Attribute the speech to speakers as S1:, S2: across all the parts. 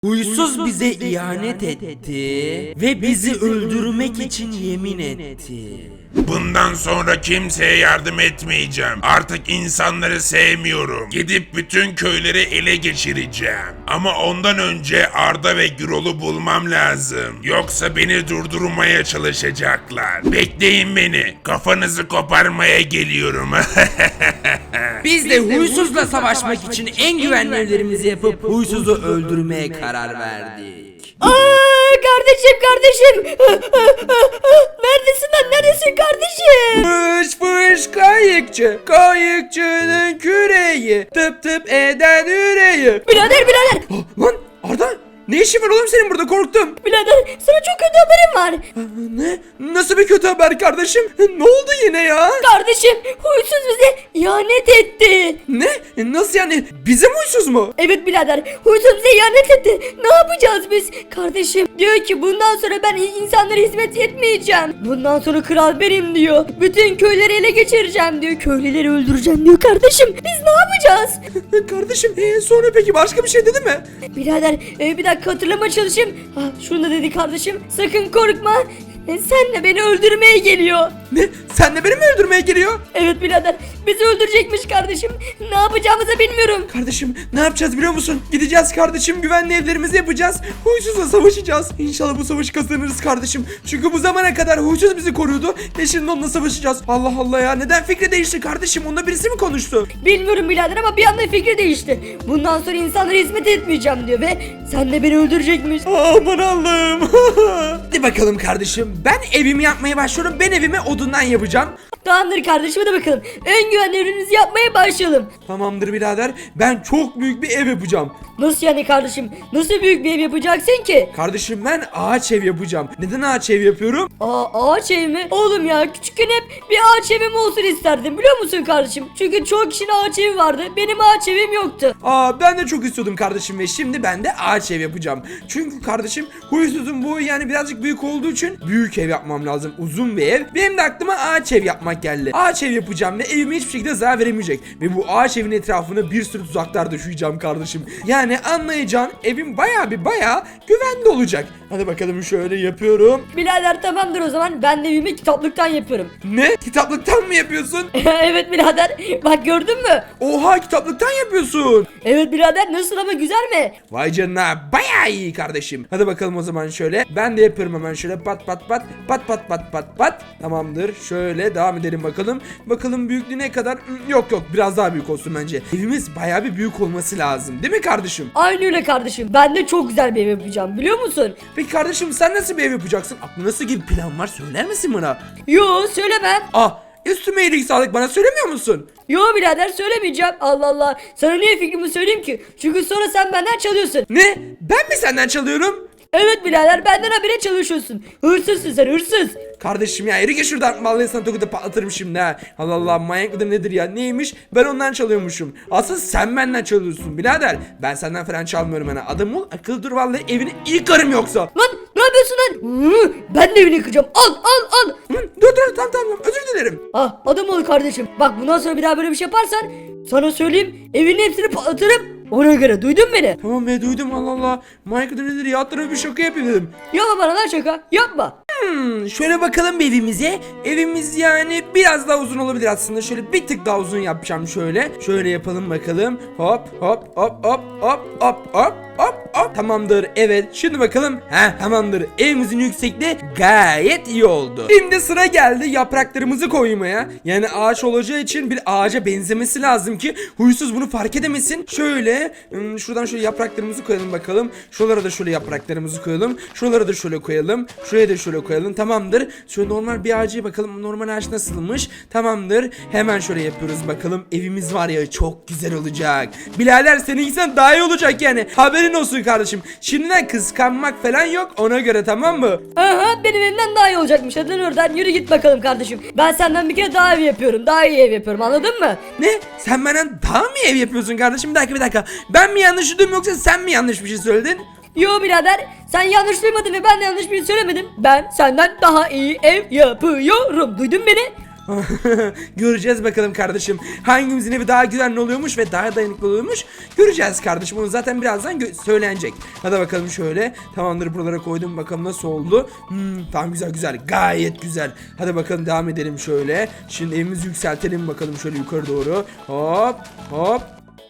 S1: Huysuz bize ihanet etti ve bizi öldürmek için yemin etti.
S2: Bundan sonra kimseye yardım etmeyeceğim. Artık insanları sevmiyorum. Gidip bütün köyleri ele geçireceğim. Ama ondan önce Arda ve Gürol'u bulmam lazım. Yoksa beni durdurmaya çalışacaklar. Bekleyin beni. Kafanızı koparmaya geliyorum.
S1: Biz de huysuzla savaşmak için en güvenli evlerimizi yapıp huysuzu öldürmeye karar verdik.
S3: Kardeşim. Neredesin lan? Neredesin kardeşim?
S1: Fış fış kayıkçı, kayıkçının küreği, tıp tıp eden yüreği.
S3: Birader.
S1: Lan Arda, ne işin var oğlum senin burada, korktum.
S3: Birader sana çok kötü haberim var.
S1: Ne? Nasıl bir kötü haber kardeşim? Ne oldu yine ya?
S3: Kardeşim huysuz bize ihanet etti.
S1: Ne? Nasıl yani? Bize mi huysuz mu?
S3: Evet birader huysuz bize ihanet etti. Ne yapacağız biz? Kardeşim diyor ki bundan sonra ben insanlara hizmet etmeyeceğim. Bundan sonra kral benim diyor. Bütün köyleri ele geçireceğim diyor. Köylüleri öldüreceğim diyor kardeşim. Biz ne yapacağız?
S1: Kardeşim sonra peki başka bir şey dedi mi?
S3: Birader bir dakika hatırlamaya çalışayım. Şunu da dedi kardeşim. Sakın korkma. Sen de beni öldürmeye geliyor.
S1: Ne? Sen de beni mi öldürmeye geliyor?
S3: Evet birader bizi öldürecekmiş kardeşim. Ne yapacağımızı bilmiyorum.
S1: Kardeşim ne yapacağız biliyor musun? Gideceğiz kardeşim, güvenli evlerimizi yapacağız. Huysuzla savaşacağız. İnşallah bu savaşı kazanırız kardeşim. Çünkü bu zamana kadar huysuz bizi koruyordu ve şimdi onunla savaşacağız. Allah Allah ya, neden fikri değişti kardeşim? Onunla birisi mi konuştu?
S3: Bilmiyorum birader ama bir anda fikri değişti. Bundan sonra insanlara hizmet etmeyeceğim diyor ve sen de beni öldürecekmiş.
S1: Aman Allah'ım. Hadi bakalım kardeşim. Ben evimi yapmaya başlıyorum. Ben evimi odundan yapacağım.
S3: Tamamdır kardeşim hadi bakalım. En güvenli ürünümüzü yapmaya başlayalım.
S1: Tamamdır birader. Ben çok büyük bir ev yapacağım.
S3: Nasıl yani kardeşim? Nasıl büyük bir ev yapacaksın ki?
S1: Kardeşim ben ağaç ev yapacağım. Neden ağaç ev yapıyorum?
S3: Ağaç ev mi? Oğlum ya küçükken hep bir ağaç evim olsun isterdim biliyor musun kardeşim? Çünkü çok kişinin ağaç evi vardı. Benim ağaç evim yoktu.
S1: Ben de çok istiyordum kardeşim ve şimdi ben de ağaç ev yapacağım. Çünkü kardeşim huysuzun bu yani birazcık büyük olduğu için büyük ev yapmam lazım. Uzun bir ev. Benim de aklıma ağaç ev yapmak geldi. Ağaç ev yapacağım ve evime hiçbir şekilde zarar veremeyecek. Ve bu ağaç evin etrafına bir sürü tuzaklar düşeceğim kardeşim. Yani anlayacağın evim bayağı güvenli olacak. Hadi bakalım şöyle yapıyorum.
S3: Birader tamamdır o zaman ben de evimi kitaplıktan yapıyorum.
S1: Ne? Kitaplıktan mı yapıyorsun?
S3: Evet birader bak gördün mü?
S1: Oha, kitaplıktan yapıyorsun.
S3: Evet birader nasıl ama güzel mi?
S1: Vay canına, bayağı iyi kardeşim. Hadi bakalım o zaman şöyle. Ben de yapıyorum hemen şöyle pat. Tamamdır. Şöyle devam edelim bakalım. Bakalım büyüklüğü ne kadar? Yok biraz daha büyük olsun bence. Evimiz bayağı bir büyük olması lazım. Değil mi kardeşim?
S3: Aynı öyle kardeşim ben de çok güzel bir ev yapacağım biliyor musun?
S1: Peki kardeşim sen nasıl bir ev yapacaksın? Aklında nasıl bir plan var? Söyler misin bana?
S3: Yo söylemem.
S1: Üstüme iyilik sağlık, bana söylemiyor musun?
S3: Yo birader söylemeyeceğim. Allah Allah. Sana niye fikrimi söyleyeyim ki? Çünkü sonra sen benden çalıyorsun.
S1: Ne? Ben mi senden çalıyorum?
S3: Evet birader benden habire çalışıyorsun. Hırsızsın sen hırsız.
S1: Kardeşim ya yürü git şuradan, vallahi sana tokadı patlatırım şimdi ha. Allah Allah, manyak mıdır nedir ya, neymiş, ben ondan çalıyormuşum. Asıl sen benden çalıyorsun birader. Ben senden falan çalmıyorum hani, adam ol, akıl dur, vallahi evini yıkarım yoksa.
S3: Lan ne yapıyorsun lan? Ben de evini yıkacağım. Al.
S1: Dur tamam, özür dilerim.
S3: Adam ol kardeşim. Bak bundan sonra bir daha böyle bir şey yaparsan sana söyleyeyim evinin hepsini patlatırım. Ona göre duydun beni.
S1: Tamam be, duydum, Allah Allah. Manyak mıdır nedir ya, hatta bir şaka yapayım dedim.
S3: Yapma bana lan şaka yapma.
S1: Şöyle bakalım bir evimize. Evimiz yani biraz daha uzun olabilir aslında. Şöyle bir tık daha uzun yapacağım şöyle. Şöyle yapalım bakalım. Hop. Tamamdır. Evet. Şimdi bakalım. Tamamdır. Evimizin yüksekliği gayet iyi oldu. Şimdi sıra geldi yapraklarımızı koymaya. Yani ağaç olacağı için bir ağaca benzemesi lazım ki huysuz bunu fark edemesin. Şöyle şuradan şöyle yapraklarımızı koyalım bakalım. Şuralara da şöyle yapraklarımızı koyalım. Şuralara da şöyle koyalım. Şuraya da şöyle koyalım. Tamamdır. Şöyle normal bir ağacı bakalım. Normal ağaç nasılmış? Tamamdır. Hemen şöyle yapıyoruz bakalım. Evimiz var ya, çok güzel olacak. Birader seninkinden daha iyi olacak yani. Haberin olsun kardeşim. Şimdiden kıskanmak falan yok. Ona göre, tamam mı?
S3: Benim evimden daha iyi olacakmış. Hadi lan oradan yürü git bakalım kardeşim. Ben senden bir kere daha ev yapıyorum. Daha iyi ev yapıyorum anladın mı?
S1: Ne? Sen benden daha mı ev yapıyorsun kardeşim? Bir dakika. Ben mi yanlış duydum yoksa sen mi yanlış bir şey söyledin?
S3: Yo birader sen yanlış duymadın ve ben de yanlış bir şey söylemedim. Ben senden daha iyi ev yapıyorum. Duydun beni?
S1: Göreceğiz bakalım kardeşim. Hangimizin evi daha güvenli oluyormuş ve daha dayanıklı oluyormuş. Göreceğiz kardeşim. Onu zaten birazdan söylenecek. Hadi bakalım şöyle. Tamamdır, buralara koydum. Bakalım nasıl oldu. Tamam, güzel güzel. Gayet güzel. Hadi bakalım devam edelim şöyle. Şimdi evimizi yükseltelim bakalım şöyle yukarı doğru. Hop hop.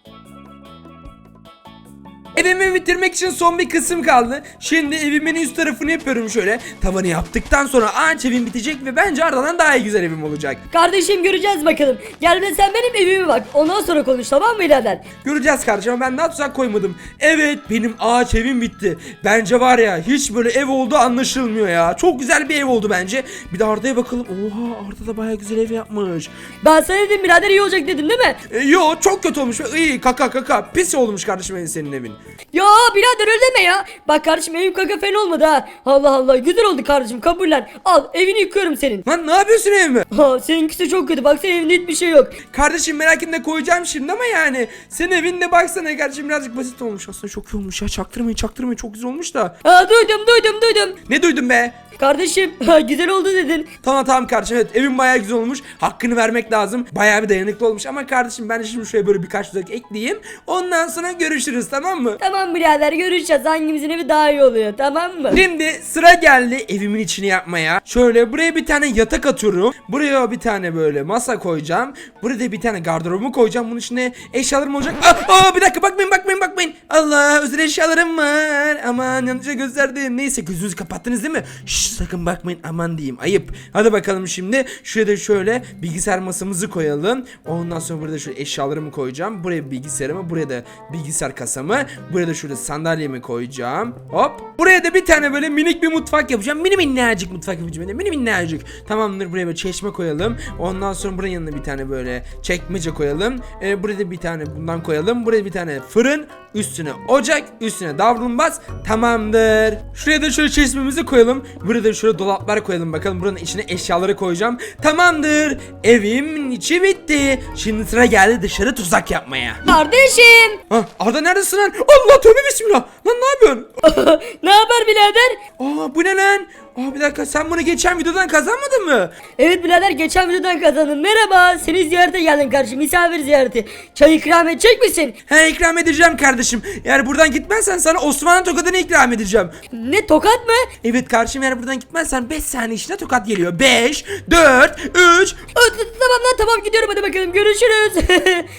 S1: Evimi bitirmek için son bir kısım kaldı. Şimdi evimin üst tarafını yapıyorum şöyle. Tavanı yaptıktan sonra ağaç evim bitecek ve bence ardından daha iyi güzel evim olacak.
S3: Kardeşim göreceğiz bakalım. Gel de sen benim evime bak. Ondan sonra konuş, tamam mı birader?
S1: Göreceğiz kardeşim ama ben daha tuzak koymadım. Evet, benim ağaç evim bitti. Bence var ya, hiç böyle ev olduğu anlaşılmıyor ya. Çok güzel bir ev oldu bence. Bir de Arda'ya bakalım. Oha, Arda da bayağı güzel ev yapmış.
S3: Ben sana dedim birader, iyi olacak dedim değil mi?
S1: Yo, çok kötü olmuş. İyi, kaka pis olmuş kardeşim senin evin.
S3: Ya birader öyle deme ya. Bak kardeşim, evim kaka fen olmadı ha. Allah Allah, güzel oldu kardeşim, kabullen. Al, evini yıkıyorum senin.
S1: Lan ne yapıyorsun evime?
S3: Ha, seninkisi çok kötü, baksana evinde hiçbir şey yok.
S1: Kardeşim merak etme, koyacağım şimdi ama yani. Senin evinde baksana kardeşim, birazcık basit olmuş. Aslında çok iyi olmuş ya, çaktırmayın çok güzel olmuş da.
S3: Ha, duydum.
S1: Ne duydun be?
S3: Kardeşim güzel oldu dedin.
S1: Tamam kardeşim, evet evim bayağı güzel olmuş. Hakkını vermek lazım. Bayağı bir dayanıklı olmuş ama kardeşim ben de şimdi şuraya böyle birkaç tuzak ekleyeyim. Ondan sonra görüşürüz, tamam mı?
S3: Tamam birader, görüşeceğiz hangimizin evi daha iyi oluyor, tamam mı?
S1: Şimdi sıra geldi evimin içini yapmaya. Şöyle buraya bir tane yatak atıyorum. Buraya bir tane böyle masa koyacağım. Buraya da bir tane gardırobumu koyacağım. Bunun içine eşyalarım olacak. Bir dakika, bakmayın. Allah, özel eşyalarım var. Aman, yanlışa gösterdim. Neyse, gözünüzü kapattınız değil mi? Şşş, sakın bakmayın, aman diyeyim, ayıp. Hadi bakalım şimdi. Şuraya da şöyle bilgisayar masamızı koyalım. Ondan sonra burada şöyle eşyalarımı koyacağım. Buraya bilgisayarımı, buraya da bilgisayar kasamı. Buraya da şöyle sandalyemi koyacağım. Hop. Buraya da bir tane böyle minik bir mutfak yapacağım. Minnacık mutfak yapacağım. Minnacık. Tamamdır, buraya böyle çeşme koyalım. Ondan sonra buranın yanına bir tane böyle çekmece koyalım. Buraya da bir tane bundan koyalım. Buraya bir tane fırın. Üstüne ocak. Üstüne davlumbaz. Tamamdır. Şuraya da şöyle çeşmemizi koyalım. Buraya da şöyle dolaplar koyalım. Bakalım buranın içine eşyaları koyacağım. Tamamdır. Evimin içi bitti. Şimdi sıra geldi dışarı tuzak yapmaya.
S3: Kardeşim.
S1: Arda neredesin lan? Allah, tövbe bismillah. Lan ne yapıyorsun?
S3: Ne haber birader?
S1: Bu ne lan? Bir dakika, sen bunu geçen videodan kazanmadın mı?
S3: Evet birader, geçen videodan kazandım. Merhaba, seni ziyarete geldim kardeşim, misafir ziyareti. Çay ikram edecek misin?
S1: İkram edeceğim kardeşim. Eğer buradan gitmezsen sana Osmanlı tokadını ikram edeceğim.
S3: Ne, tokat mı?
S1: Evet kardeşim, eğer buradan gitmezsen 5 saniye içinde tokat geliyor. 5, 4, 3.
S3: Tamam lan, tamam gidiyorum, hadi bakalım, görüşürüz.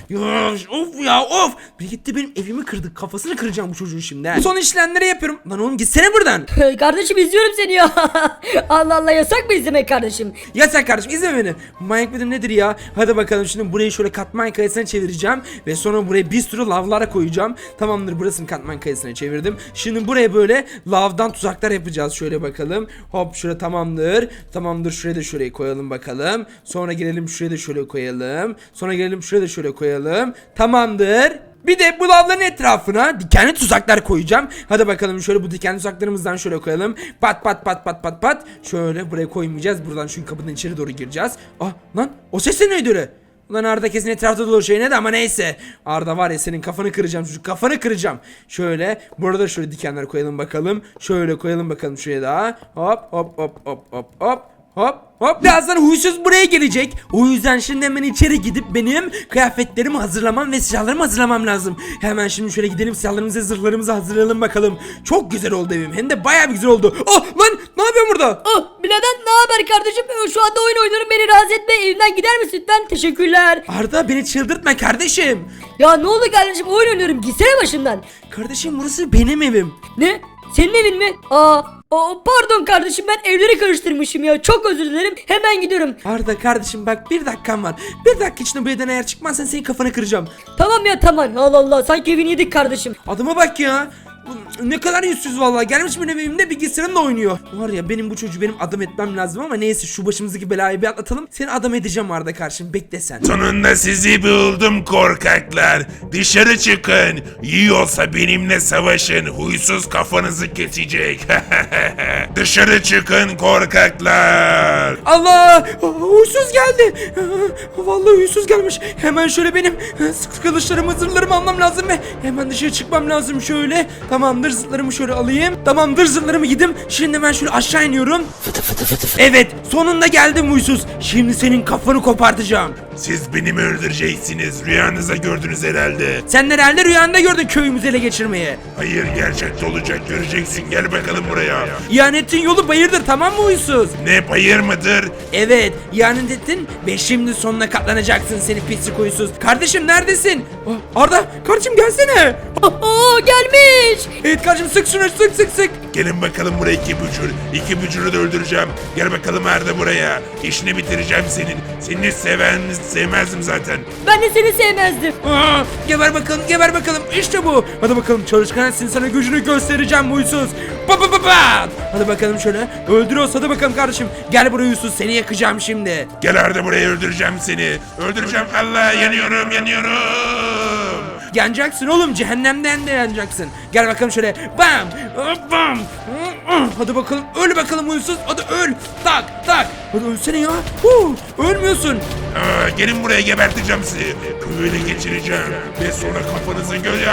S1: Of. Bir gitti, benim evimi kırdı. Kafasını kıracağım bu çocuğun şimdi. Son işlemleri yapıyorum. Lan oğlum, gitsene buradan.
S3: Kardeşim izliyorum seni ya. Allah Allah, yasak mı izlemek kardeşim?
S1: Yasak kardeşim, izle beni. Manyak mıdır nedir ya? Hadi bakalım, şimdi burayı şöyle katman kayasına çevireceğim. Ve sonra buraya bir sürü lavlara koyacağım. Tamamdır, burasını katman kayasına çevirdim. Şimdi buraya böyle lavdan tuzaklar yapacağız. Şöyle bakalım. Hop, şuraya tamamdır. Şuraya da şurayı koyalım bakalım. Sonra gelelim şuraya da şöyle koyalım. Sonra gelelim şuraya da şöyle koyalım. Tamamdır. Bir de bu lavların etrafına dikenli tuzaklar koyacağım. Hadi bakalım, şöyle bu dikenli tuzaklarımızdan şöyle koyalım. Pat. Şöyle buraya koymayacağız. Buradan çünkü kapının içeri doğru gireceğiz. Lan o ses de neydi öyle? Ulan Arda kesin etrafta dolaşıyor ne de, ama neyse. Arda var ya, senin kafanı kıracağım çocuk, kafanı kıracağım. Şöyle burada şöyle dikenler koyalım bakalım. Şöyle koyalım bakalım şuraya daha. Hop. Birazdan huysuz buraya gelecek. O yüzden şimdi hemen içeri gidip benim kıyafetlerimi hazırlamam ve silahlarımı hazırlamam lazım. Hemen şimdi şöyle gidelim, silahlarımızı, zırhlarımızı hazırlayalım bakalım. Çok güzel oldu evim, hem de bayağı bir güzel oldu. Lan ne yapıyorsun burada?
S3: Birader ne haber kardeşim? Şu anda oyun oynuyorum, beni rahatsız etme. Evimden gider misin lütfen? Teşekkürler.
S1: Arda, beni çıldırtma kardeşim.
S3: Ya ne oldu kardeşim, oyun oynuyorum, gitsene başımdan.
S1: Kardeşim, burası benim evim.
S3: Ne? Senin evin mi? Pardon kardeşim, ben evleri karıştırmışım ya, çok özür dilerim, hemen gidiyorum.
S1: Arda kardeşim, bak, 1 dakikan var. 1 dakika içinde bu evden eğer çıkmazsan senin kafanı kıracağım.
S3: Tamam ya, tamam. Allah Allah, sanki evini yedik kardeşim.
S1: Adama bak ya. Bu ne kadar yüzsüz vallahi. Gelmiş benim evimde bilgisayarımla oynuyor. Var ya, benim bu çocuğu benim adam etmem lazım ama neyse, şu başımızdaki belayı bir atlatalım. Seni adam edeceğim Arda karşım, bekle sen.
S2: Sonunda sizi buldum korkaklar. Dışarı çıkın. Yiyorsa benimle savaşın. Huysuz kafanızı kesecek. Dışarı çıkın korkaklar.
S1: Allah! Huysuz geldi. Vallahi huysuz gelmiş. Hemen şöyle benim kılıçlarımı, zırhlarımı almam lazım ve hemen dışarı çıkmam lazım şöyle. Tamamdır, zırhlarımı şöyle alayım. Tamamdır, zırhlarımı giydim. Şimdi ben şöyle aşağı iniyorum. Evet, Sonunda geldim huysuz. Şimdi senin kafanı kopartacağım.
S2: Siz beni mi öldüreceksiniz? Rüyanızda gördünüz herhalde.
S1: Sen herhalde rüyanda gördün köyümüzü ele geçirmeyi.
S2: Hayır, gerçekte olacak, göreceksin. Gel bakalım buraya.
S1: İhanetin yolu bayırdır, tamam mı huysuz?
S2: Ne, bayır mıdır?
S1: Evet, ihanet ettin ve şimdi sonuna katlanacaksın seni pislik huysuz. Kardeşim neredesin? Arda, kardeşim gelsene.
S3: Aa, gelmiş.
S1: Evet kardeşim, sık şunu, sık.
S2: Gelin bakalım buraya iki bücür. İki bücürü de öldüreceğim. Gel bakalım Arda buraya. İşini bitireceğim senin. Seni sevmezdim zaten.
S3: Ben de seni sevmezdim.
S1: Geber bakalım, işte bu. Hadi bakalım çalışkansın, sana gücünü göstereceğim huysuz. Pa. Hadi bakalım şöyle, öldürüyoruz, hadi bakalım kardeşim. Gel buraya huysuz, seni yakacağım şimdi.
S2: Gel Arda buraya, öldüreceğim seni. Öldüreceğim. Allah, yanıyorum.
S1: Yanacaksın oğlum, cehennemden de yanacaksın. Gel bakalım şöyle, bam. Hadi bakalım, öl bakalım huysuz, hadi öl. Tak. Hadi ölsene ya. Ölmüyorsun.
S2: Gelin buraya, geberteceğim sizi. Köyü ele geçireceğim. Ve sonra kafanızı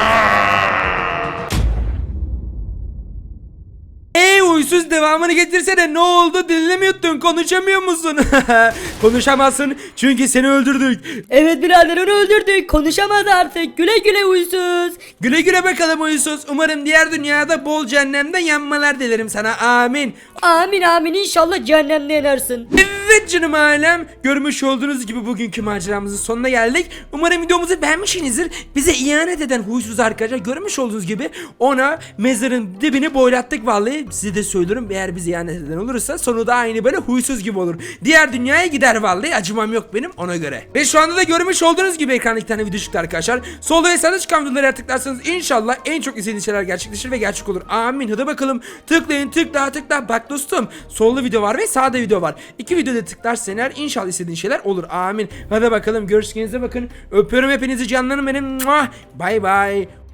S1: Huysuz, devamını getirsene. Ne oldu, dilini mi yuttun, konuşamıyor musun? Konuşamazsın çünkü seni öldürdük.
S3: Evet birader, onu öldürdük. Konuşamaz artık. Güle güle huysuz.
S1: Güle güle bakalım huysuz. Umarım diğer dünyada bol cehennemde yanmalar dilerim sana, amin.
S3: Amin inşallah cehennemde yanarsin.
S1: Evet canım ailem, görmüş olduğunuz gibi bugünkü maceramızın sonuna geldik. Umarım videomuzu beğenmişsinizdir. Bize ihanet eden huysuz arkadaşlar, görmüş olduğunuz gibi ona mezarın dibini boylattık vallahi. Size de söylüyorum, eğer bize ihanet eden olursa sonu da aynı böyle huysuz gibi olur. Diğer dünyaya gider vallahi, acımam yok benim ona göre. Ve şu anda da görmüş olduğunuz gibi ekranda iki tane video çıktı arkadaşlar. Solda ve sağda çıkan videoları tıklarsanız inşallah en çok istediğiniz şeyler gerçekleşir ve gerçek olur. Amin. Hadi bakalım, tıklayın, tıkla. Bak dostum, solda video var ve sağda video var. İki videoda tıklarsan eğer inşallah istediğin şeyler olur. Amin. Hadi bakalım, görüşürüz, bakın. Öpüyorum hepinizi canlarım benim. Bay bay.